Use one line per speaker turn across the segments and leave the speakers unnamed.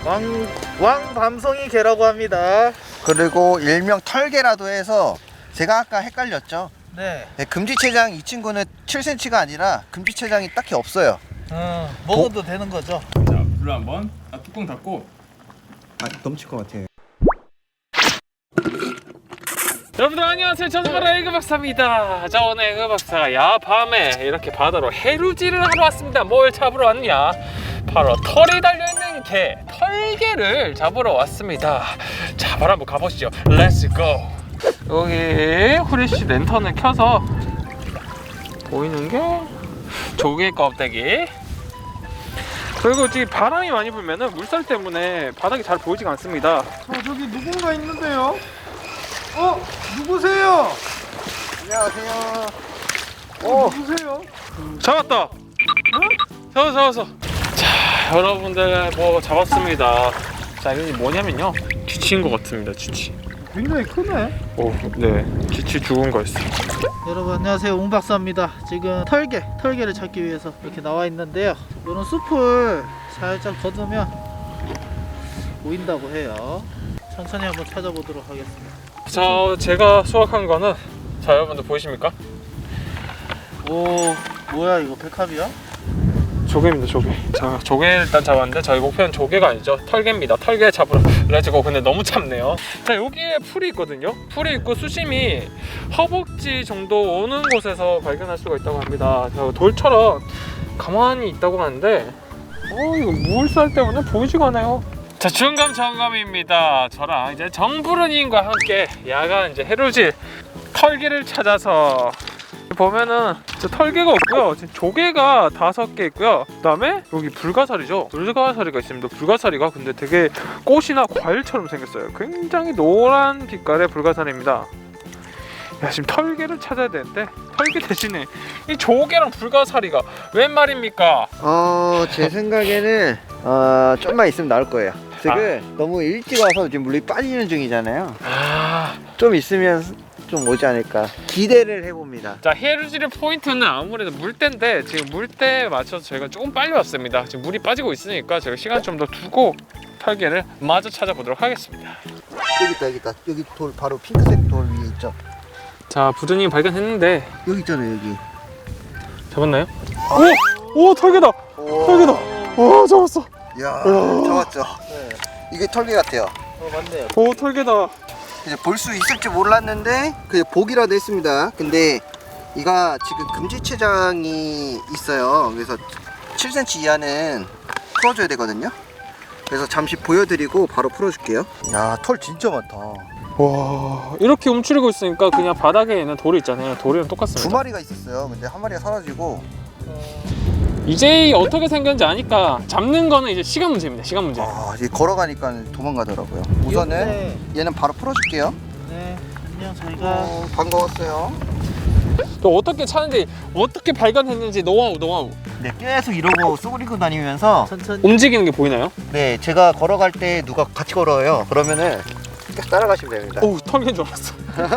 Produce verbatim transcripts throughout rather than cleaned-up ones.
왕, 왕 밤송이 개라고 합니다.
그리고 일명 털개라도 해서 제가 아까 헷갈렸죠.
네.
네, 금지체장 이 친구는 칠 센티미터가 아니라 금지체장이 딱히 없어요.
어, 먹어도 되는 거죠?
자, 불을 한번 아, 뚜껑 닫고.
아, 넘칠 것 같아요.
여러분들 안녕하세요. 저는 바로 에그 박사입니다. 자, 오늘 에그 박사가 야밤에 이렇게 바다로 해루질을 하러 왔습니다. 뭘 잡으러 왔냐? 바로 털이 달려있는 개, 털개를 잡으러 왔습니다. 자, 바로 한번 가보시죠. 렛츠 고! 여기 후레쉬 랜턴을 켜서 보이는 게 조개 껍데기, 그리고 지금 바람이 많이 불면은 물살 때문에 바닥이 잘 보이지가 않습니다.
어, 저기 누군가 있는데요? 어? 누구세요?
안녕하세요.
어, 누구세요?
잡았다! 응? 잡았어, 잡았어. 자, 여러분들 뭐 잡았습니다. 자, 이게 뭐냐면요, 쥐치인 것 같습니다. 쥐치.
굉장히 크네.
오, 네, 쥐치 죽은 거였어.
여러분 안녕하세요, 웅박사입니다. 지금 털개, 털개를 찾기 위해서 이렇게 나와 있는데요. 이런 숲을 살짝 걷으면 보인다고 해요. 천천히 한번 찾아보도록 하겠습니다.
자, 제가 수확한 거는, 자, 여러분들 보이십니까?
오, 뭐야 이거 백합이야?
조개입니다, 조개. 자, 조개 일단 잡았는데 저희 목표는 조개가 아니죠. 털개입니다. 털개 잡으러 그래가지고 근데 너무 참네요. 자, 여기에 풀이 있거든요. 풀이 있고 수심이 허벅지 정도 오는 곳에서 발견할 수가 있다고 합니다. 자, 돌처럼 가만히 있다고 하는데 어, 이거 물살 때문에 보이지가 않아요. 자, 중감 점검입니다. 저랑 이제 정부르님과 함께 야간 이제 해루질 털개를 찾아서 보면은 저 털개가 없고요. 지금 조개가 다섯 개 있고요. 그다음에 여기 불가사리죠. 불가사리가 있습니다. 불가사리가 근데 되게 꽃이나 과일처럼 생겼어요. 굉장히 노란 빛깔의 불가사리입니다. 야, 지금 털개를 찾아야 되는데 털개 대신에 이 조개랑 불가사리가 웬 말입니까?
어, 제 생각에는 어, 좀만 있으면 나올 거예요. 지금 아. 너무 일찍 와서 지금 물이 빠지는 중이잖아요.
아,
좀 있으면 좀 오지 않을까 기대를 해봅니다.
자, 해루질의 포인트는 아무래도 물때인데 지금 물때에 맞춰서 저희가 조금 빨리 왔습니다. 지금 물이 빠지고 있으니까 제가 시간 좀 더 두고 털개를 마저 찾아보도록 하겠습니다.
여기 있다, 여기 있다. 여기 돌 바로 핑크색 돌 위에 있죠.
자, 부드님 발견했는데
여기 있잖아요, 여기.
잡았나요? 오! 오, 털개다!
오.
털개다! 오, 잡았어!
이야,
오.
잡았죠.
네.
이게 털개 같아요.
어, 맞네요.
오, 털개다!
이제 볼 수 있을지 몰랐는데 그냥 보기라도 했습니다. 근데 이가 지금 금지체장이 있어요. 그래서 칠 센티미터 이하는 풀어줘야 되거든요. 그래서 잠시 보여드리고 바로 풀어줄게요. 야, 털 진짜 많다.
와, 이렇게 움츠리고 있으니까 그냥 바닥에 있는 돌이 있잖아요. 돌이랑 똑같습니다.
두 마리가 있었어요. 근데 한 마리가 사라지고.
이제 어떻게 생겼는지 아니까 잡는 거는 이제 시간 문제입니다. 시간 문제.
아, 이제 걸어가니까 도망가더라고요. 우선은
네.
얘는 바로 풀어줄게요.
네, 안녕. 저희가
어, 반가웠어요.
또 어떻게 찾는지, 어떻게 발견했는지 노하우, 노하우.
네, 계속 이러고 쏘그리고 다니면서
천천히.
움직이는 게 보이나요?
네, 제가 걸어갈 때 누가 같이 걸어요. 그러면은 계속 따라가시면 됩니다.
오, 털개인 줄 알았어.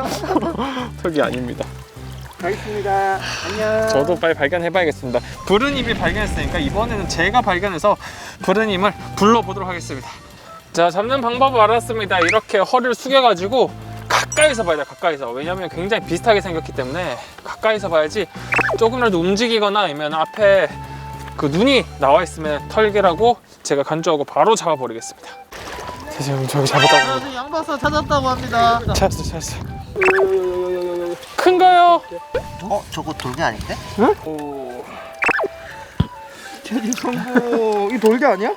털개 아닙니다.
가겠습니다. 안녕.
저도 빨리 발견해봐야겠습니다. 부르님이 발견했으니까 이번에는 제가 발견해서 부르님을 불러보도록 하겠습니다. 자, 잡는 방법을 알았습니다. 이렇게 허리를 숙여가지고 가까이서 봐야 돼요. 가까이서. 왜냐면 굉장히 비슷하게 생겼기 때문에 가까이서 봐야지. 조금이라도 움직이거나 아니면 앞에 그 눈이 나와 있으면 털개라고 제가 간주하고 바로 잡아버리겠습니다. 자, 지금 저기 잡았다고 합니다.
안녕하세요, 양박사 찾았다고 합니다.
찾았어, 찾았어. 큰가요?
어, 저거 돌개 아닌데?
오.
제리 성부 이 돌개 아니야?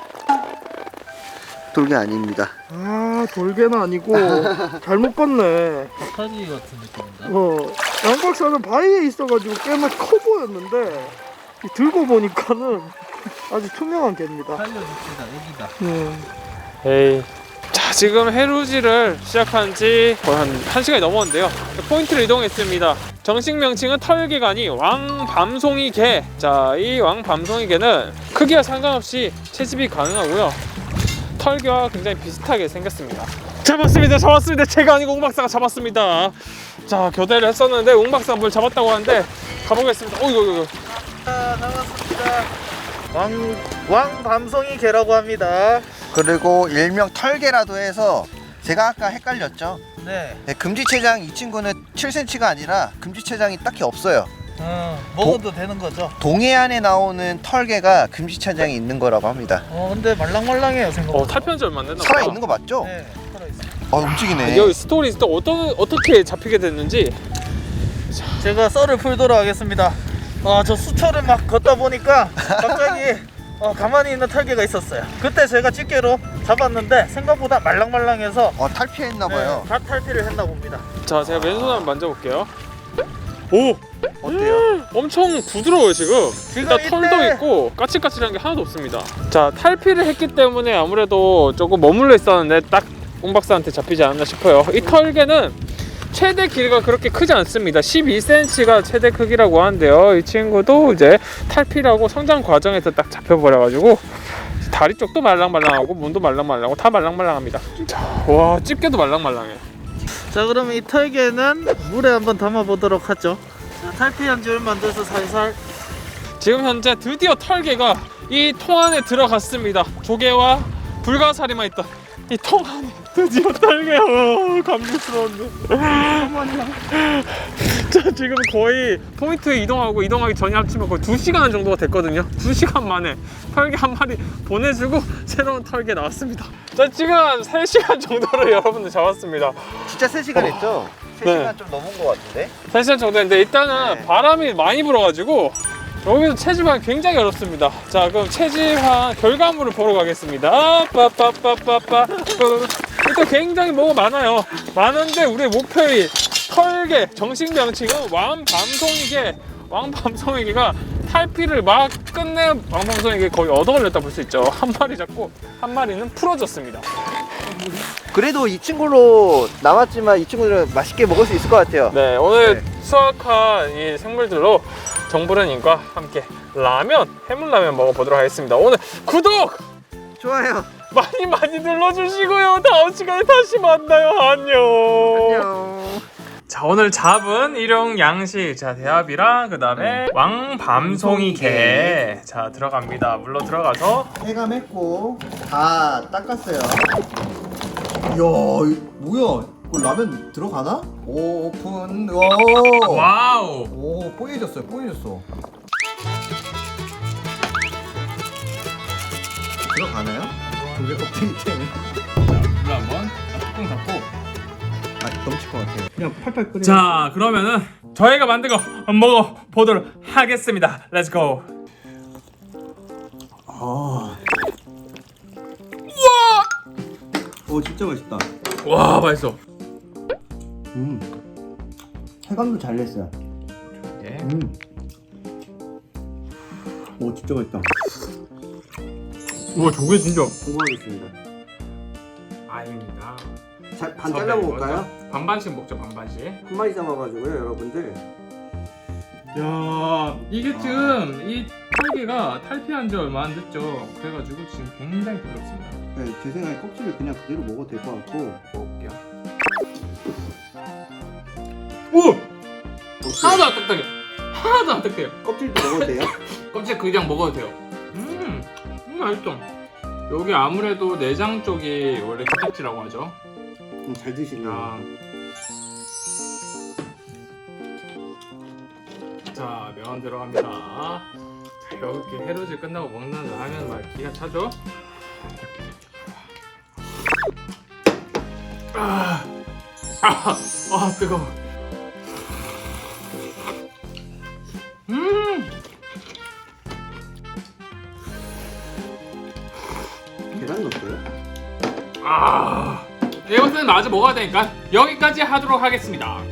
돌개 아닙니다.
아, 돌개는 아니고 잘못 봤네.
박하지 같은 느낌인가?
어, 양 박사는 바위에 있어가지고 꽤나 커 보였는데 들고 보니까는 아주 투명한 개입니다.
살려줍시다. 여기다.
네.
에이. 자, 지금 해루질을 시작한 지 거의 한 1시간이 넘었는데요. 포인트를 이동했습니다. 정식 명칭은 털개가 아닌 왕밤송이 개. 자, 이 왕밤송이 개는 크기와 상관없이 채집이 가능하고요. 털개와 굉장히 비슷하게 생겼습니다. 잡았습니다. 잡았습니다. 제가 아니고 웅박사가 잡았습니다. 자, 교대를 했었는데 웅박사가 뭘 잡았다고 하는데 가보겠습니다. 어이구, 어이구.
자, 잡았습니다. 왕, 왕 밤송이 개라고 합니다.
그리고 일명 털개라도 해서 제가 아까 헷갈렸죠.
네.
네, 금지체장 이 친구는 칠 센티미터가 아니라 금지체장이 딱히 없어요.
어, 먹어도 되는 거죠?
동해안에 나오는 털개가 금지체장이 있는 거라고 합니다.
어, 근데 말랑말랑해요
어,
생각보다.
탈피한 지 얼마 안 됐나
살아
보다.
있는 거 맞죠?
네, 살아있어요.
아, 움직이네.
여기 스토리 또 어떤 어떻게 잡히게 됐는지.
제가 썰을 풀도록 하겠습니다. 아, 저 수초를 막 걷다 보니까 갑자기 어, 가만히 있는 털개가 있었어요. 그때 제가 집게로 잡았는데 생각보다 말랑말랑해서
어, 탈피했나봐요.
네, 다 탈피를 했나 봅니다.
자, 제가 왼손 한번 만져볼게요. 오,
어때요?
엄청 부드러워요 지금. 일단
이때-
털도 있고 까칠까칠한 게 하나도 없습니다. 자, 탈피를 했기 때문에 아무래도 조금 머물러 있었는데 딱 웅박사한테 잡히지 않았나 싶어요. 이 털개는 최대 길이가 그렇게 크지 않습니다. 십이 센티미터가 최대 크기라고 하는데요. 이 친구도 이제 탈피라고 성장 과정에서 딱 잡혀버려가지고 다리 쪽도 말랑말랑하고 문도 말랑말랑하고 다 말랑말랑합니다. 자, 와, 집게도 말랑말랑해.
자, 그러면 이 털개는 물에 한번 담아 보도록 하죠. 자, 탈피한 지 얼마 안 돼서 살살.
지금 현재 드디어 털개가 이 통 안에 들어갔습니다. 조개와 불가사리만 있던 이 통 안에 드디어 털개야. 어, 감격스러운데. 자, 지금 거의 포인트에 이동하고 이동하기 전에 합치면 거의 두 시간 정도가 됐거든요. 두 시간 만에 털개 한 마리 보내주고 새로운 털개 나왔습니다. 자, 지금 한 세 시간 정도를 여러분들 잡았습니다.
진짜 세 시간 했죠? 세
네.
시간 좀 넘은 것 같은데?
세 시간 정도 했는데 일단은
네.
바람이 많이 불어가지고 여기서 체지방 굉장히 어렵습니다. 자, 그럼 체지방 결과물을 보러 가겠습니다. 빠빠빠빠빠. 일단 굉장히 뭐가 많아요. 많은데 우리의 목표인 털개, 정식 명칭은 왕밤송이개. 왕밤송이개가 탈피를 막 끝낸 왕밤송이개 거의 얻어 걸렸다 볼 수 있죠. 한 마리 잡고 한 마리는 풀어졌습니다.
그래도 이 친구로 남았지만 이 친구들은 맛있게 먹을 수 있을 것 같아요.
네, 오늘
네.
수확한 이 생물들로 정부르님과 함께 라면, 해물라면 먹어보도록 하겠습니다. 오늘 구독
좋아요.
많이 많이 눌러주시고요. 다음 시간에 다시 만나요. 안녕.
안녕.
자, 오늘 잡은 일용 양식, 자, 대합이랑 그 다음에 왕밤송이 게, 자, 들어갑니다. 물로 들어가서
해감했고 다 닦았어요. 이야, 이거 뭐야? 이거 라면 들어가나? 오, 오픈. 오.
와우.
오, 뽀얘졌어요. 뽀얘졌어. 들어가나요? 그게 껍데기 때문에.
물 한번 뚜껑 닫고.
아, 넘칠 것 같아요. 그냥 팔팔 끓여.
자, 그러면은 저희가 만든 거 먹어보도록 하겠습니다. 렛츠고.
아. 오, 진짜 맛있다.
와, 맛있어.
음. 해감도 잘 냈어요.
예.
음. 오, 진짜 맛있다.
우와, 저게 진짜
고마워하겠습니다.
아닙니다.
자, 반 잘라 먹을까요?
반반씩 먹죠, 반반씩.
한 마리 잡아가지고요, 여러분들.
야, 이게 지금 이 털개가 탈피한 지 얼마 안 됐죠. 그래가지고 지금 굉장히 부드럽습니다.
네, 제 생각에 껍질을 그냥 그대로 먹어도 될 것 같고.
먹을게요. 오! 하나도 안 딱딱해. 하나도 안 딱딱해요.
껍질도 먹어도 돼요?
껍질 그냥 먹어도 돼요. 음, 음 맛있어. 여기 아무래도 내장 쪽이 원래 코딱지라고 하죠.
그럼 잘 드시네요.
아. 자, 면 들어갑니다. 자, 이렇게 해루질 끝나고 먹는 라면 막 기가 차죠? 아, 아, 아 뜨거워. 음,
계란 넣었어요?
아, 이것은 마저 먹어야 되니까 여기까지 하도록 하겠습니다.